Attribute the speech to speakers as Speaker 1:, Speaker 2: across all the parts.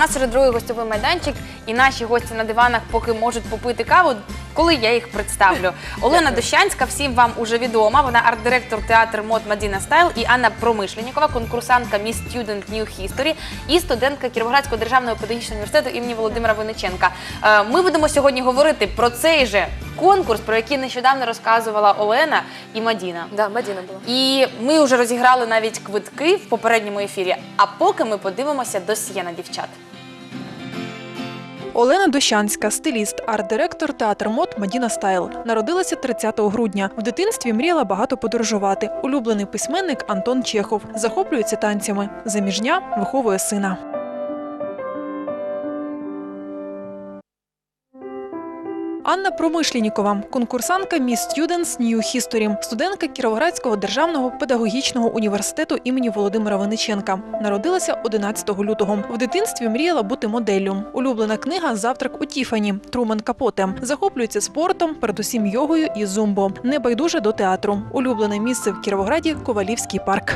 Speaker 1: нас вже другий гостьовий майданчик, і наші гості на диванах поки можуть попити каву, коли я їх представлю. Олена Дощанська, всім вам уже відома, вона арт-директор театру мод Мадіна Стайл, і Анна Промишленнікова, конкурсантка Miss Student New History і студентка Кіровоградського державного педагогічного університету імені Володимира Винниченка. Ми будемо сьогодні говорити про цей же конкурс, про який нещодавно розказувала Олена і Мадіна.
Speaker 2: Да, Мадіна була.
Speaker 1: І ми вже розіграли навіть квитки в попередньому ефірі, а поки ми подивимося досьє на дівчат.
Speaker 3: Олена Дощанська, стиліст, арт-директор театру мод Мадіна Стайл. Народилася 30 грудня. В дитинстві мріяла багато подорожувати. Улюблений письменник Антон Чехов. Захоплюється танцями. Заміжня, виховує сина. Анна Промишленікова, конкурсантка Miss Students New History, студентка Кіровоградського державного педагогічного університету імені Володимира Винниченка. Народилася 11 лютого. В дитинстві мріяла бути моделлю. Улюблена книга «Завтрак у Тіфані» Трумен Капоте. Захоплюється спортом, передусім йогою і зумбо. Небайдужа до театру. Улюблене місце в Кіровограді – Ковалівський парк.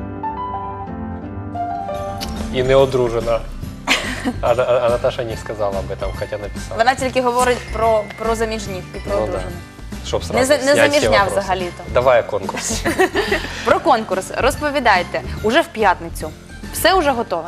Speaker 4: І не одружена. А Наташа не сказала об этом, хоча написала.
Speaker 1: Вона тільки говорить про заміжніх і про одружених.
Speaker 4: Щоб
Speaker 1: Не
Speaker 4: сразу снять
Speaker 1: заміжня
Speaker 4: всі вопроси.
Speaker 1: взагалі-то.
Speaker 4: Давай конкурс.
Speaker 1: Про конкурс розповідайте. Уже в п'ятницю. Все уже готове?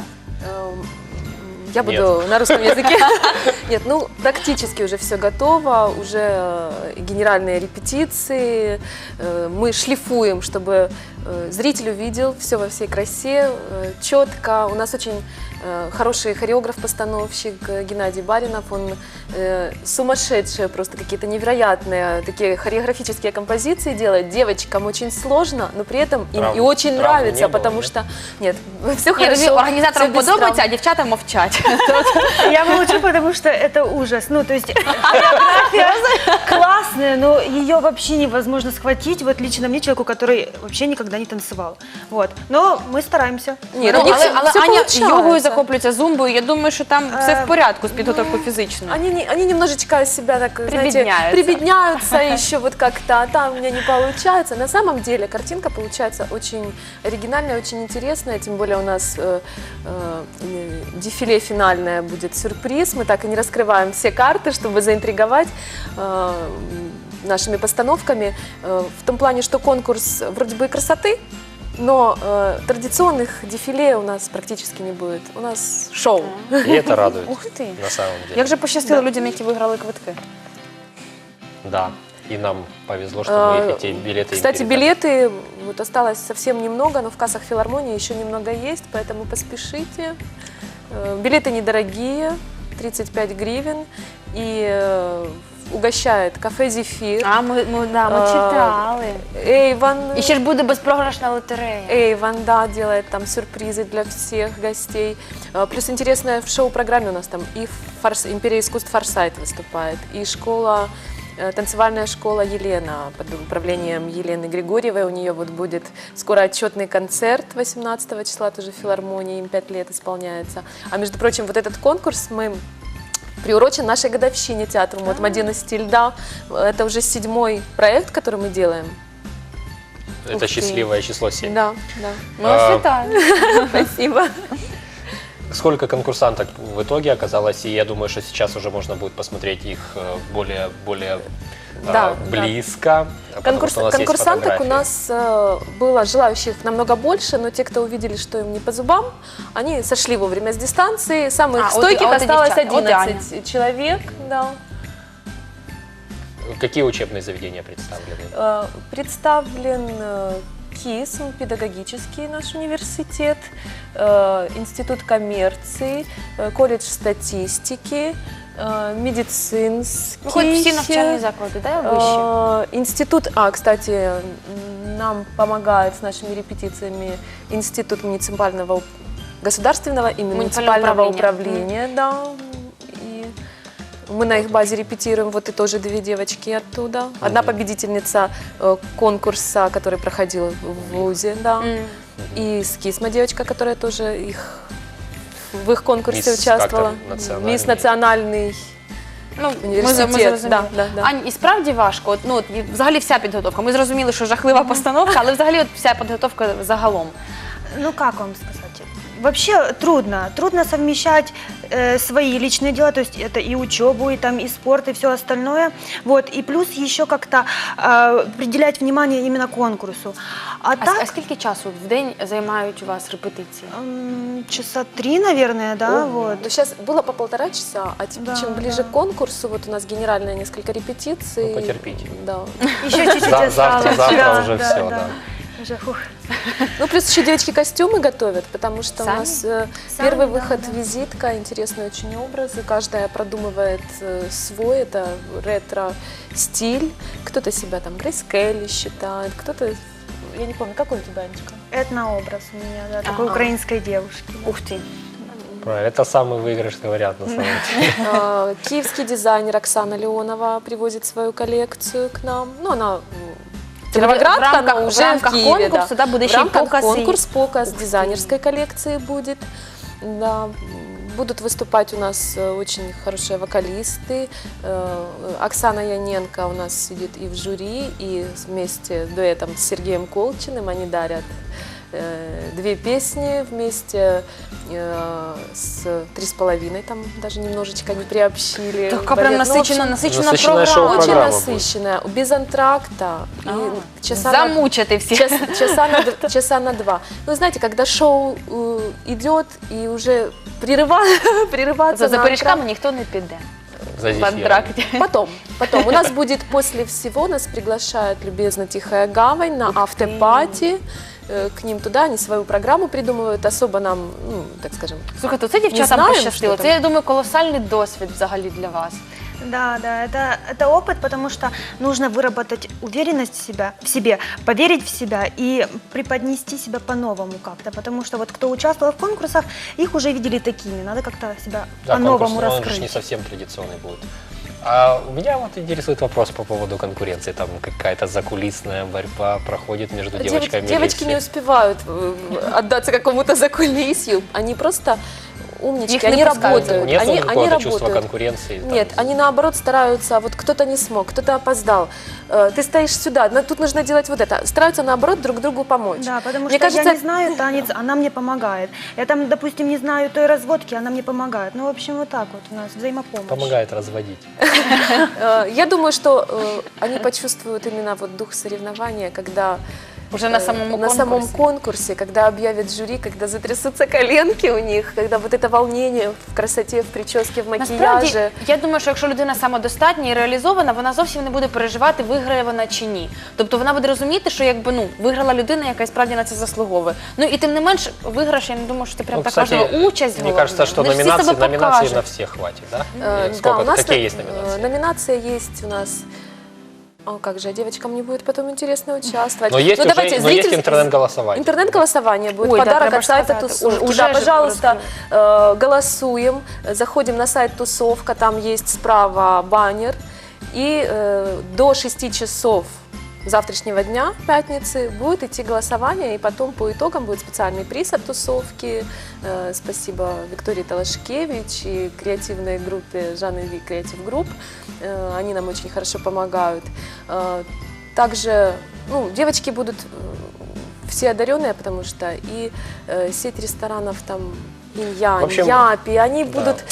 Speaker 2: Я буду на русском языке. Нет, ну практически уже все готово, уже генеральные репетиции. Мы шлифуем, чтобы зритель увидел все во всей красе, четко. У нас очень хороший хореограф-постановщик Геннадий Баринов. Он сумасшедшие, просто какие-то невероятные такие хореографические композиции делает. Девочкам очень сложно, но при этом им и очень нравится, потому что... Нет, все хорошо.
Speaker 1: Організаторам подобається, а дівчата мовчать.
Speaker 5: Я молчу, потому что это ужас. Ну, то есть хореография классная, но ее вообще невозможно схватить. Вот лично мне, человеку, который вообще никогда не танцевал. Вот. Но мы стараемся.
Speaker 2: Нет,
Speaker 1: Але Аня йогою захоплюється, зумбою. Я думаю, що там все в порядку з підготовкою фізичною.
Speaker 2: Они немножечко себя так, знаете, прибедняются еще вот как-то, а там у меня не получается. На самом деле картинка получается очень оригинальная, очень интересная, тем более у нас дефиле финальное будет сюрприз. Мы так и не раскрываем все карты, чтобы заинтриговать нашими постановками. В том плане, что конкурс вроде бы и красоты, но традиционных дефиле у нас практически не будет. У нас шоу.
Speaker 4: И это радует.
Speaker 1: Ух ти.
Speaker 4: На самом деле.
Speaker 1: Як же пощастило людям, які виграли квитки.
Speaker 4: Да. И нам повезло, что мы эти билеты
Speaker 2: Кстати,
Speaker 4: им передали.
Speaker 2: билеты вот осталось совсем немного, но в кассах филармонии еще немного есть, поэтому поспешите. Билеты недорогие, 35 гривен, и угощает кафе «Зефир».
Speaker 1: А, ми читали.
Speaker 2: Эйвон.
Speaker 1: І ще ж буде безпрограшна лотерея.
Speaker 2: Эйвон, да, делает там сюрпризы для всех гостей. Плюс интересная в шоу-программе у нас там и «Империя искусств Форсайт» выступает, и школа, танцевальная школа «Елена» под управлением Елены Григорьевой. У нее вот будет скоро отчетный концерт 18 числа, тоже в филармонии, им 5 лет исполняется. А между прочим, вот этот конкурс мы приурочен нашей годовщине театру мод Мадина Стиль. Да, это уже 7-й проект, который мы делаем.
Speaker 4: Это счастливое число 7.
Speaker 2: Да, да.
Speaker 1: Ми вас вітаємо.
Speaker 2: Спасибо.
Speaker 4: Сколько конкурсанток в итоге оказалось, и я думаю, что сейчас уже можно будет посмотреть их более
Speaker 2: Да,
Speaker 4: близко. Потому что у нас есть
Speaker 2: Конкурсанток у
Speaker 4: фотографии.
Speaker 2: нас было желающих намного больше, но те, кто увидели, что им не по зубам, они сошли вовремя с дистанции. Самых стойких осталось 11 человек. Да.
Speaker 4: Какие учебные заведения представлены?
Speaker 2: Представлен КИС, педагогический наш университет, Институт коммерции, колледж статистики, медицинский.
Speaker 1: Виходять всі навчальні заклади, да, вищі?
Speaker 2: Институт, кстати, нам помогает с нашими репетициями Институт муниципального государственного и муниципального управления. Да. И мы на их базе репетируем, вот и тоже 2 девочки оттуда. Одна победительница конкурса, который проходил в ВУЗе, да. И с КИСМа девочка, которая тоже в их конкурсе участвовала. Мисс национальный університет.
Speaker 1: Ань, і справді важко, взагалі вся підготовка. Ми зрозуміли, що жахлива постановка, але взагалі вся підготовка загалом.
Speaker 5: Ну, как вам сказать? Вообще трудно. Трудно совмещать свои личные дела, то есть это и учебу, и там и спорт, и все остальное. Вот. И плюс еще как-то приділять внимание именно конкурсу. А так,
Speaker 1: А скільки часу в день займають у вас репетиції?
Speaker 5: часа 3, наверное, да, вот.
Speaker 2: Ну, сейчас было по 1,5 часа, а
Speaker 5: Да,
Speaker 2: чем ближе
Speaker 5: да.
Speaker 2: к конкурсу, вот у нас генеральные несколько репетиций.
Speaker 4: Ну, потерпите.
Speaker 2: Да.
Speaker 5: Еще чуть-чуть осталось.
Speaker 4: Завтра
Speaker 5: Да,
Speaker 4: уже
Speaker 5: да,
Speaker 4: все,
Speaker 5: да.
Speaker 4: да.
Speaker 5: Уже, фух.
Speaker 2: Ну, плюс еще девочки костюмы готовят, потому что
Speaker 1: Сами?
Speaker 2: у нас
Speaker 5: Сами,
Speaker 2: первый
Speaker 5: да,
Speaker 2: выход
Speaker 5: да.
Speaker 2: визитка, интересные очень образы. Каждая продумывает свой, это ретро-стиль. Кто-то себя там Грейс Келли считает, кто-то, я не помню, какой у тебя, Анечка?
Speaker 5: Этнообраз у меня, да, такой
Speaker 1: Ага.
Speaker 5: украинской девушки. Да.
Speaker 1: Ух ти.
Speaker 4: Правильно, это самый выигрышный вариант на самом деле.
Speaker 2: Киевский дизайнер Оксана Леонова привозит свою коллекцию к нам. Ну, она
Speaker 1: В
Speaker 2: кировоградка,
Speaker 1: рамках-
Speaker 2: но
Speaker 1: в
Speaker 2: уже
Speaker 1: рамках
Speaker 2: в Киеве,
Speaker 1: конкурсу, да, буде
Speaker 2: в
Speaker 1: ще й
Speaker 2: рамках
Speaker 1: показ і-
Speaker 2: показ
Speaker 1: Ух ты.
Speaker 2: дизайнерской коллекции будет. Да. Будут выступать у нас очень хорошие вокалисты. Оксана Яненко у нас сидит и в жюри, и вместе дуэтом с Сергеем Колчиным они дарят 2 песни вместе с 3,5, там даже немножечко не приобщили.
Speaker 1: Така прям
Speaker 2: Балет. Ну, в общем,
Speaker 1: насичена
Speaker 4: насичена
Speaker 1: програма.
Speaker 4: шоу-програма.
Speaker 2: очень
Speaker 4: Программа
Speaker 2: насыщенная, без антракта. И часа на-
Speaker 1: Замучити всіх.
Speaker 2: часа на 2. Ну, знаете, когда шоу идет и уже прерываться
Speaker 1: За
Speaker 2: на
Speaker 1: пиріжками
Speaker 2: антракт.
Speaker 1: ніхто не піде
Speaker 4: За
Speaker 1: в
Speaker 4: зефиром.
Speaker 1: антракті.
Speaker 2: Потом. У нас будет после всего, нас приглашает любезно Тихая Гавань на автопати. К ним туда, они свою программу придумывают, особо нам, ну, так скажем,
Speaker 1: Слухайте, це дівчатам
Speaker 2: знаємо,
Speaker 1: пощастило.
Speaker 2: що
Speaker 1: Це,
Speaker 2: там.
Speaker 1: я думаю, колосальний досвід взагалі для вас.
Speaker 5: Да, да, это опыт, потому что нужно выработать уверенность в себе, поверить в себя и преподнести себя по-новому как-то, потому что вот кто участвовал в конкурсах, их уже видели такими, надо как-то себя
Speaker 4: Да,
Speaker 5: по-новому
Speaker 4: конкурс, он же не
Speaker 5: раскрыть.
Speaker 4: совсем традиционный будет. А у меня вот интересует вопрос по поводу конкуренции. Там какая-то закулисная борьба проходит между девочками.
Speaker 2: девочки не успевают отдаться какому-то закулисью, они просто умнички,
Speaker 1: Их не
Speaker 2: они
Speaker 1: пускают.
Speaker 2: работают.
Speaker 4: Нет
Speaker 2: они
Speaker 4: какого-то чувства
Speaker 2: работают.
Speaker 4: конкуренции? там?
Speaker 2: Нет, они наоборот стараются, вот кто-то не смог, кто-то опоздал, ты стоишь сюда, тут нужно делать вот это. Стараются наоборот друг другу помочь.
Speaker 5: Да, потому
Speaker 2: Мне
Speaker 5: что
Speaker 2: кажется,
Speaker 5: я не знаю танец, она мне помогает. Я там, допустим, не знаю той разводки, она мне помогает. Ну, в общем, вот так вот у нас взаимопомощь.
Speaker 4: Помогает разводить.
Speaker 2: Я думаю, что они почувствуют именно вот дух соревнования, когда
Speaker 1: Уже на самому
Speaker 2: на самом
Speaker 1: конкурсі.
Speaker 2: конкурсе, когда объявят жюри, когда затрясутся коленки у них, когда вот это волнение в красоте, в прическе, в макияже.
Speaker 1: Насправді, я думаю, що якщо людина самодостатня і реалізована, вона зовсім не буде переживати, виграє вона чи ні. Тобто вона буде розуміти, що якби виграла людина, яка і справді на це заслуговує. Ну і тим не менш, виграш, я не думаю, що це прям
Speaker 4: Ну,
Speaker 1: так
Speaker 4: кстати,
Speaker 1: важливо. Участь
Speaker 4: мне
Speaker 1: головне.
Speaker 4: кажется, что
Speaker 1: Вони ж всі себе
Speaker 4: номинаций
Speaker 1: покажуть.
Speaker 4: на всех хватит, да?
Speaker 2: Да,
Speaker 4: Или сколько,
Speaker 2: у нас
Speaker 4: какие есть номинации?
Speaker 2: номинация есть у нас. О, как же, девочкам не будет потом интересно участвовать.
Speaker 4: Но есть,
Speaker 2: Ну,
Speaker 4: уже,
Speaker 2: давайте,
Speaker 4: но есть
Speaker 2: зритель-
Speaker 4: интернет-голосование.
Speaker 2: Интернет-голосование будет,
Speaker 1: Ой, да,
Speaker 2: подарок
Speaker 1: треба
Speaker 2: от сайта
Speaker 1: сказати.
Speaker 2: Тусовки.
Speaker 1: Уже
Speaker 2: Да,
Speaker 1: ж
Speaker 2: пожалуйста, голосуем, заходим на сайт Тусовка, там есть справа баннер. И до 6 часов завтрашнего дня, пятницы, будет идти голосование, и потом по итогам будет специальный приз от Тусовки. Спасибо Виктории Талашкевич и креативной группе Жанны Ви Креатив Групп. Они нам очень хорошо помогают. Также девочки будут все одаренные, потому что и сеть ресторанов там
Speaker 4: В
Speaker 2: Инь-Янь,
Speaker 4: общем,
Speaker 2: Япи, они
Speaker 4: да.
Speaker 2: будут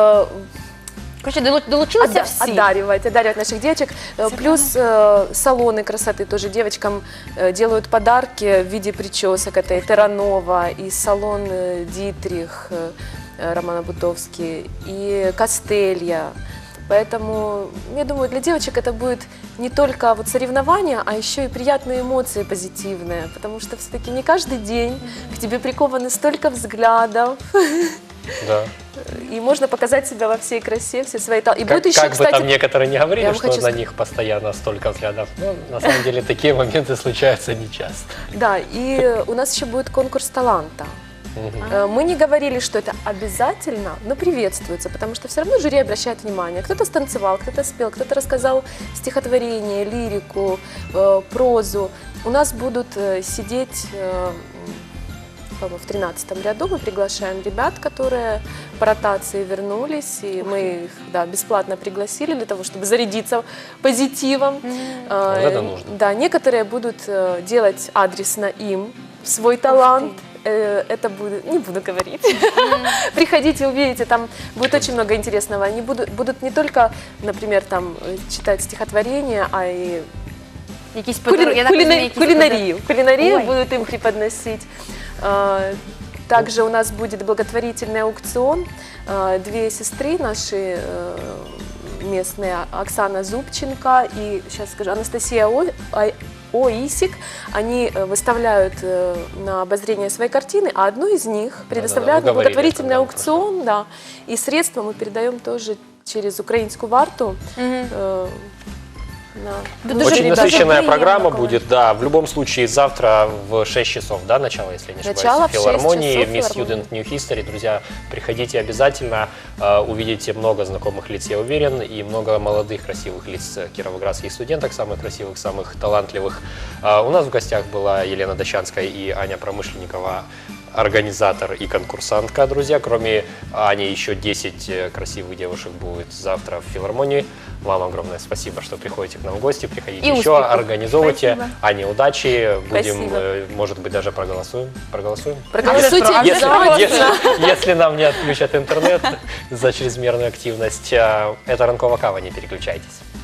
Speaker 1: Короче, долучилися всі.
Speaker 2: одаривать наших девочек. Плюс салоны красоты тоже девочкам делают подарки в виде причесок. Это и Терранова, и салон Дитрих, Романа Бутовский, и Костелья. Поэтому, я думаю, для девочек это будет не только вот соревнования, а еще и приятные эмоции позитивные. Потому что все-таки не каждый день к тебе прикованы столько взглядов.
Speaker 4: Да.
Speaker 2: И можно показать себя во всей красе, все свои таланты. И будет еще,
Speaker 4: Как бы
Speaker 2: кстати,
Speaker 4: там некоторые не
Speaker 2: я
Speaker 4: говорили,
Speaker 2: вам
Speaker 4: что
Speaker 2: хочу
Speaker 4: на них постоянно столько взглядов. Но на самом деле такие моменты случаются нечасто.
Speaker 2: да, и у нас еще будет конкурс таланта. Мы не говорили, что это обязательно, но приветствуется, потому что все равно жюри обращает внимание. Кто-то станцевал, кто-то спел, кто-то рассказал стихотворение, лирику, прозу. У нас будут сидеть, по-моему, в 13-м ряду. Мы приглашаем ребят, которые по ротации вернулись, и мы их бесплатно пригласили для того, чтобы зарядиться позитивом.
Speaker 4: Вот это нужно.
Speaker 2: Да, некоторые будут делать адресно им свой талант. это будет, не буду говорить. Приходите, увидите, там будет очень много интересного. Они будут не только, например, там читать стихотворения, а и
Speaker 1: Якісь подарунки, я так розумію, якісь
Speaker 2: кулинарию. Кулинарию
Speaker 1: Ой.
Speaker 2: будут им преподносить. Также у нас будет благотворительный аукцион. Две сестры наши местные, Оксана Зубченко и, сейчас скажу, Анастасия Оисик, они выставляют на обозрение свои картины, а одну из них предоставляют на
Speaker 4: вы говорили
Speaker 2: благотворительный
Speaker 4: это, да,
Speaker 2: аукцион, да, и средства мы передаем тоже через украинскую варту.
Speaker 4: Очень
Speaker 2: ребят.
Speaker 4: насыщенная
Speaker 1: приятно,
Speaker 4: программа
Speaker 1: Коля.
Speaker 4: будет, да. В любом случае, завтра в 6 часов, да, начало, если я не ошибаюсь,
Speaker 2: Начало
Speaker 4: в
Speaker 2: в 6
Speaker 4: филармонии,
Speaker 2: часов
Speaker 4: Miss
Speaker 2: филармония.
Speaker 4: Student New History. Друзья, приходите обязательно, увидите много знакомых лиц, я уверен, и много молодых, красивых лиц кировоградских студенток, самых красивых, самых талантливых. У нас в гостях была Елена Дощанская и Аня Промышленникова, организатор и конкурсантка, друзья. Кроме Ани, еще 10 красивых девушек будет завтра в филармонии. Вам огромное спасибо, что приходите к нам в гости. Приходите
Speaker 1: И
Speaker 4: еще,
Speaker 1: успехов.
Speaker 4: организовывайте.
Speaker 5: Спасибо.
Speaker 4: Ане, удачи. Будем,
Speaker 2: Спасибо.
Speaker 4: может быть, даже проголосуем. Проголосуем?
Speaker 2: Проголосуйте
Speaker 1: Если-
Speaker 2: обязательно.
Speaker 4: Если нам не отключат интернет за чрезмерную активность, это ранкова кава, не переключайтесь.